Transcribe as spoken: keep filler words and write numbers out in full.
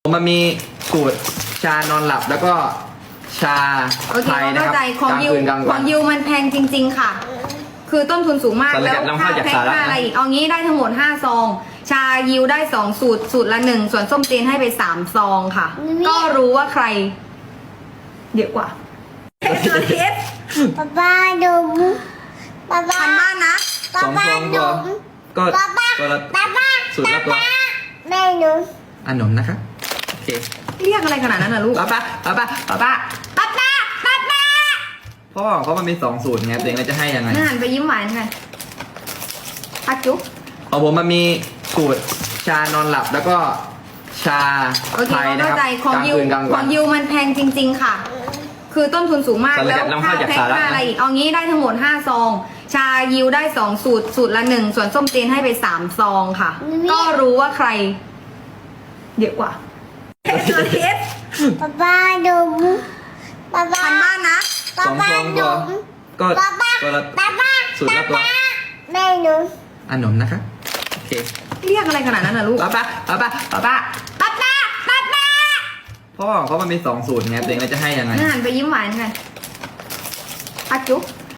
มันมีสูตรชานอนหลับแล้วก็ชาโอเคไทยนะเข้าครับใจของกลางยูคืนกลางขวัอน งยูมันแพงจริง ๆ ค่ะ คือต้นทุนสูงมากสารแล้วกัดนำค่าเข้าจากแพ็คสหรัฐค่าอะไรนะอีกเอางี้ได้ทั้งหมดห้าซอง ชายิวได้สองสูตรสูตรละหนึ่งส่วนส้มเจนให้ไปสามซองค่ะ ก็รู้ว่าใครเยอะกว่าเอสเอสป๊าป้าดุมป๊าป้าพันบ้านนะป๊าสองป้าซองก็ดุมก็ป๊าป้าตัวละป๊าป้าสูตรละตัวแม่หนูอันนมนะครับโอเคเรียกอะไรขนาดนั้นนะลูกป้าป้าป้าป้าป้าป้าป้าป้าป้าป้าพ่อเพราะมันมีสองสูตรไงตัวเองเราจะให้ยังไงนั่นหันไปยิ้มหวานค่ะปักจุ๊บของผมมันมีสูตรชานอนหลับแล้วก็ชาโอเคไทยนะเข้าครับใจของกลางยูคืนกลางขวัอน งยูมันแพงจริง ๆ ค่ะ คือต้นทุนสูงมากสารแล้วกัดนำค่าเข้าจากแพ็คสหรัฐค่าอะไรนะอีกเอางี้ได้ทั้งหมดห้าซอง ชายิวได้สองสูตรสูตรละหนึ่งส่วนส้มเจนให้ไปสามซองค่ะ ก็รู้ว่าใครเยอะกว่าเอสเอสป๊าป้าดุมป๊าป้าพันบ้านนะป๊าสองป้าซองก็ดุมก็ป๊าป้าตัวละป๊าป้าสูตรละตัวแม่หนูอันนมนะครับโอเคเรียกอะไรขนาดนั้นนะลูกป้าป้าป้าป้าป้าป้าป้าป้าป้าป้าพ่อเพราะมันมีสองสูตรไงตัวเองเราจะให้ยังไงนั่นหันไปยิ้มหวานค่ะปักจุ๊บ